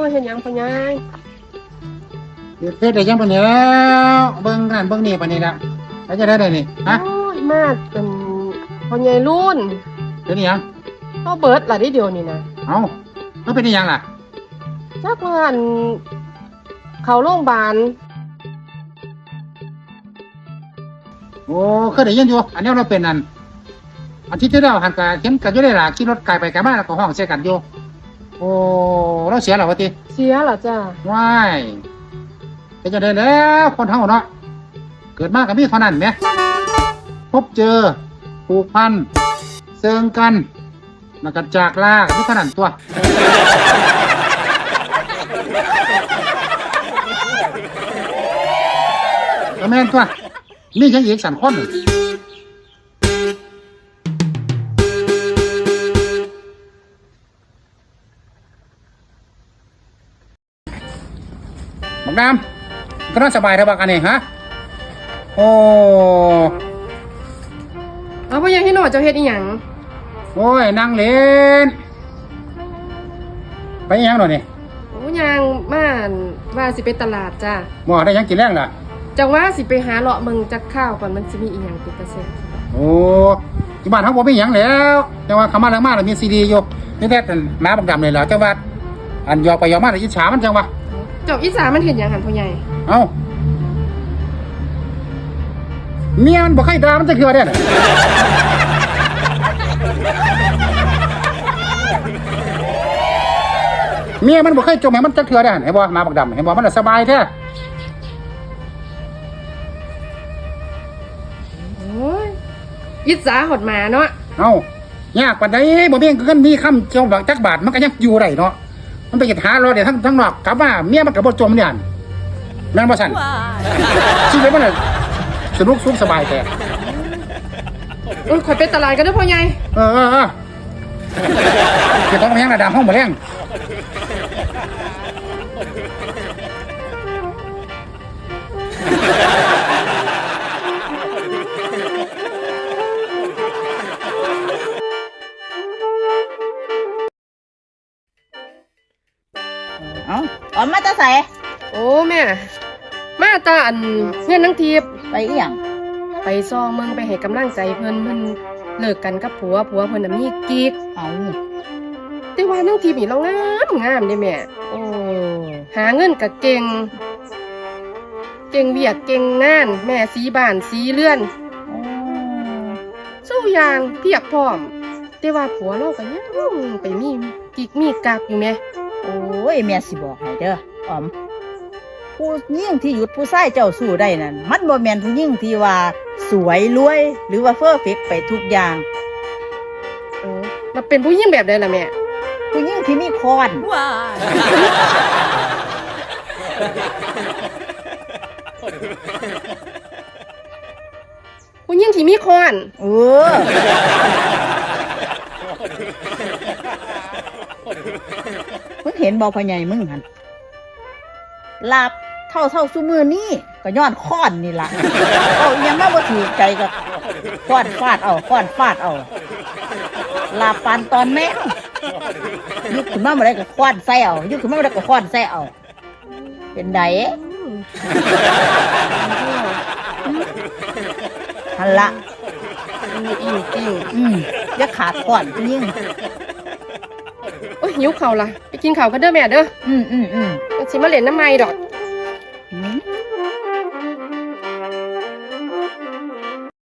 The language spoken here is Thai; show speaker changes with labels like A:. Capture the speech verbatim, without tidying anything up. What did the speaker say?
A: เห็นยังพ่อใหญ่
B: เฮ็ดได้ยังปานนี้แล้วเบิ่งนั่นเบิ่งนี่ปานนี้ละแล้วจะได้ได้นี่ฮะ
A: โอ้ยมากเป็นพ่อใหญ่รุ่น
B: เป็นอีหยัง
A: ก็เบิดล่ะได้เดียวนี่นะ
B: เอ้าแล้วเป็นอีหยังล่ะ
A: จักว่าอันเข้าโรงพยาบาล
B: โอ้เคยได้ยินอยู่อันนี้เราเป็นอันอาทิตย์ที่แล้วหันกะเห็นกันอยู่ได้ล่ะขี่รถไกลไปไกลมาแล้วก็ห้องเสียกันอยู่โอ้เราเสียแล้วว่าติ
A: เสียเหรอจ้า
B: ว้ายเป็นจังได๋แล้วคนเฮาเนาะเกิดมาก็มีเท่านั้นแหมพบเจอผูกพันเซิงกันแล้วก็จากลามีเท่านั้นตัวก็แม่นตัวมีจังอีกสันคนบักดำก็น่าสบายเถอะบักอันนี้ฮะโอ้
A: เอาพ่อใหญ่ให้หน่อยเจ้าเฮ็ดอีหยัง
B: โอ้ยนั่งเล่นไปอีหยังหน่อยนี่
A: โอ้ยังมาว่าสิไปตลาดจ้า
B: หม้อได้ยังกินแรงล่ะ
A: จังว่าสิไปหาเลาะเมืองจักข้าวก่อนมันสิมีอีหยังติดกระเซ็น
B: โอ้ที่บ้านเฮาบ่มีหยังแล้วแต่ว่าคำมาแล้วมาแล้วมีซีดีอยู่นี่แท้แต่หมาบักดำเลยเหรอแต่ว่าอันยอกไปยอกมาแล้วอิจฉามันจังวะ
A: เจ้าอีสามันเห็นหยังหันพ่อใหญ่
B: เอ้าเมียมันบ่เคยด่ามันจะเคือได้น่ะเมียมันบ่เคยจมให้มันจะเคือได้เห็นบ่หมาบักดำเห็นบ่มันสบายแท้
A: ยิสาหดหมาเนาะ
B: เอ้ายากปานใดบ่มีเงินมีคำเจ้าบักจักบาทมันก็ยังอยู่ได้เนาะมันไปหารอเดี๋ยวทั้งทั้งนอกกลับมาเมียมันก็บ่จมเนี่ยแม่นบ่ซั่นชีวิตมันสนุกสุขสบายแท้
A: โอ้ยขอไปตลาดกันเด้อพ่อใหญ่
B: เออๆเก็บของมายังระดับห้องบ่แรง
C: เอ้าออมมาตาใส่
A: โอ้แม่มาตาอันเพื่อนนังทีบ
C: ไปอีหยัง
A: ไปซองเมืองไปให้กำลังใจเพิ่นเพิ่นเลิกกันกับผัวผัวเพิ่นน่ะมีกิ๊ก
C: เอ้า
A: แต่ว่านังทีบนี่เรางามงามเด้แม่โอ้หาเงินก็เก่งเก่งเวียกเก่งงานแม่สีบ้านสีเรือนสู้อย่างเพียบพร้อมแต่ว่าผัวเราก็ยังไปมีกิ๊กมีกักอยู่แม่
C: โอ้ยแม่สิบอกให้เด้อออมผู้หญิงที่หยุดผู้ชายเจ้าสู้ได้นั่นมันบ่แม่นผู้หญิงที่ว่าสวยรวยหรือว่าเพอร์เฟกต์ไปทุกอย่าง
A: เออมันเป็นผู้หญิงแบบใดล่ะแม่
C: ผู้หญิงที่มีคอนว้า
A: ผู้หญิงที่มีคอน
C: เออมึงเห็นบ่พ่อใหญ่มึงหั่นลาบเท่าเท่าซุมือนี่ก็ย้อนค้อนนี่ล่ะเอายังมาบ่ถือใจก็ค้อนฟาดเอาค้อนฟาดเอาลาบปานตอนแม่ยุกขึ้นมาบ่ได้ก็ค้อนใส่เอายุกขึ้นมาบ่ได้ก็ค้อนใส่เอาเป็นไดหั่นล่ะ
A: อิ่วติ้ว
C: อืมอย่าขาดค้อนยิ่ง
A: โอ้ยหิวข้าวล่ะไปกินข้าวกันเด้อแม่เด้อ
C: อืมอืมอืม
A: ก็สิมาเล่นน้ำไม้ดอก